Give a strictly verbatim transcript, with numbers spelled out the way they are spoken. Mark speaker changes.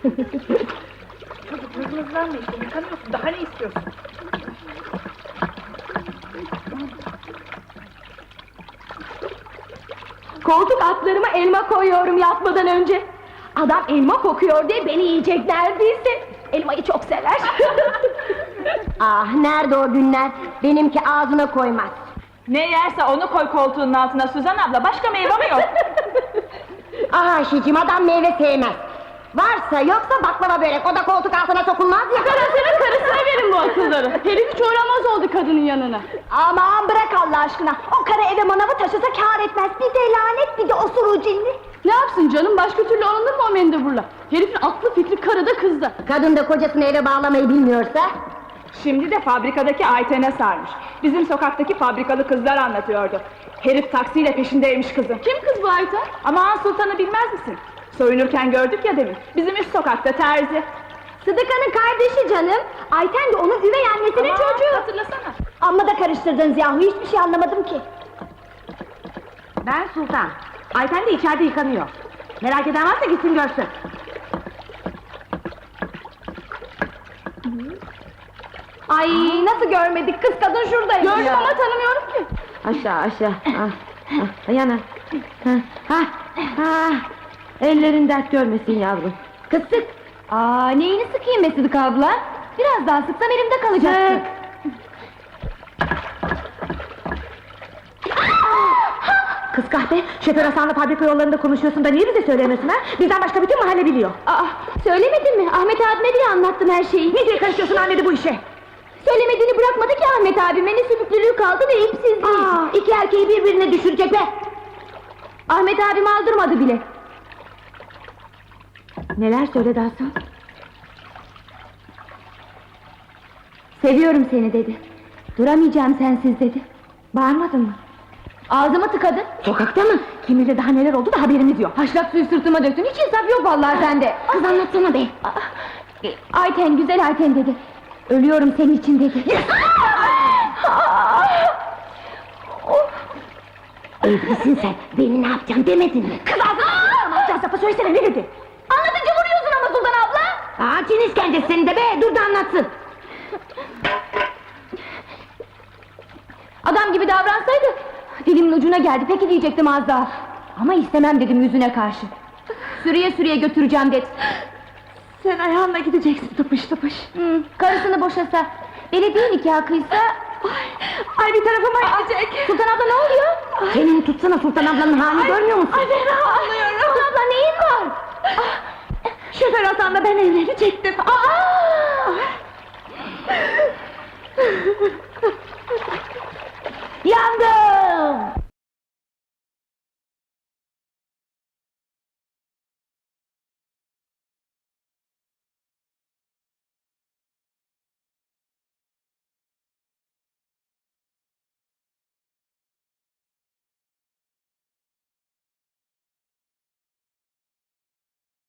Speaker 1: Çocuk hızlı işte, yıkanıyorsun, daha ne istiyorsun?
Speaker 2: Koltuk altlarıma elma koyuyorum yatmadan önce. Adam elma kokuyor diye beni yiyecek neredeyse. Elmayı çok sever.
Speaker 3: Ah, nerede o günler? Benimki ağzına koymaz.
Speaker 1: Ne yerse onu koy koltuğunun altına Suzan abla, başka meyve mi yok?
Speaker 3: Ah Ayşeciğim, adam meyve sevmez. Varsa yoksa baklava börek, o da koltuk altına sokulmaz ya.
Speaker 2: Karısının karısına verin bu akılları. Herif hiç uğramaz oldu kadının yanına. Aman bırak Allah aşkına. O karı eve manavı taşısa kâr etmez. Bir de lanet, bir de osuruğu cinli. Ne yapsın canım, başka türlü alınır mı o mendeburla? Herifin aklı fikri karıda kızda.
Speaker 3: Kadın da kocasını eve bağlamayı bilmiyorsa.
Speaker 1: Şimdi de fabrikadaki Ayten'e sarmış. Bizim sokaktaki fabrikalı kızlar anlatıyordu. Herif taksiyle peşindeymiş kızın.
Speaker 2: Kim kız bu Ayten?
Speaker 1: Aman Sultan'ı bilmez misin? Soyunurken gördük ya demin. Bizim üst sokakta terzi.
Speaker 2: Sıdıka'nın kardeşi canım. Ayten de onun üvey annesinin
Speaker 1: Aman,
Speaker 2: çocuğu.
Speaker 1: hatırlasana.
Speaker 2: Amma da karıştırdınız yahu, hiçbir şey anlamadım ki.
Speaker 3: Ben Sultan. Ayten de içeride yıkanıyor. Merak eden varsa gitsin görsün.
Speaker 2: Ay nasıl görmedik, kız kadın şuradaymış. Gördüm
Speaker 3: Ya.
Speaker 2: ama tanımıyorum ki.
Speaker 3: Aşağı aşağı. Ah, ah, yana. Ha, ha, ha. Ellerin dert görmesin yavrum. Kız sık.
Speaker 2: Aa, neyini sıkayım be Sıdık abla? Biraz daha sıksam elimde kalacaktı.
Speaker 3: Kız kahpe, şoför Hasan'la fabrika yollarında konuşuyorsun da niye bize söylemiyorsun ha? Bizden başka bütün mahalle biliyor.
Speaker 2: Aa, söylemedin mi? Ahmet abime diye anlattım her şeyi.
Speaker 3: Ne diye karışıyorsun annede bu işe?
Speaker 2: Söylemediğini bırakmadı ki Ahmet abime, ne sümüklülüğü kaldı ne ipsizliği.
Speaker 3: Aa, iki erkeği birbirine düşürecek be!
Speaker 2: Ahmet abim aldırmadı bile.
Speaker 3: Neler söyledi Hasan?
Speaker 2: Seviyorum seni dedi. Duramayacağım sensiz dedi.
Speaker 3: Bağırmadın mı?
Speaker 2: Ağzımı tıkadı.
Speaker 3: Sokakta mı? Kim bilir daha neler oldu da haberimiz yok.
Speaker 2: Haşlak suyu sırtıma döktün, hiç insaf yok vallahi sende.
Speaker 3: Kız anlatsana be!
Speaker 2: Ayten, güzel Ayten dedi. Ölüyorum senin için dedi.
Speaker 3: Evlisin sen, beni ne yapacaksın demedin mi?
Speaker 2: Kız ağzını ne yapacağız lafı söylesene, ne dedi? Anlatınca vuruyorsun ama Sultan abla.
Speaker 3: Aa, Çin işkencesi senin de be, dur da anlatsın!
Speaker 2: Adam gibi davransaydı dilimin ucuna geldi, peki diyecektim az daha. Ama istemem dedim yüzüne karşı. Sürüye sürüye götüreceğim dedi.
Speaker 3: Sen ayağınla gideceksin tıpış tıpış.
Speaker 2: Hı, karısını boşasa, belediye nikahı kıysa...
Speaker 3: Ay bir tarafıma gidecek!
Speaker 2: Sultan abla ne oluyor?
Speaker 3: Senin tutsana Sultan ablanın halini görmüyor musun?
Speaker 2: Ay ben ağlıyorum. Sultan abla neyin var?
Speaker 3: Şoför Hasan'la ben evlenecektim.
Speaker 2: Aa!
Speaker 3: Yandım!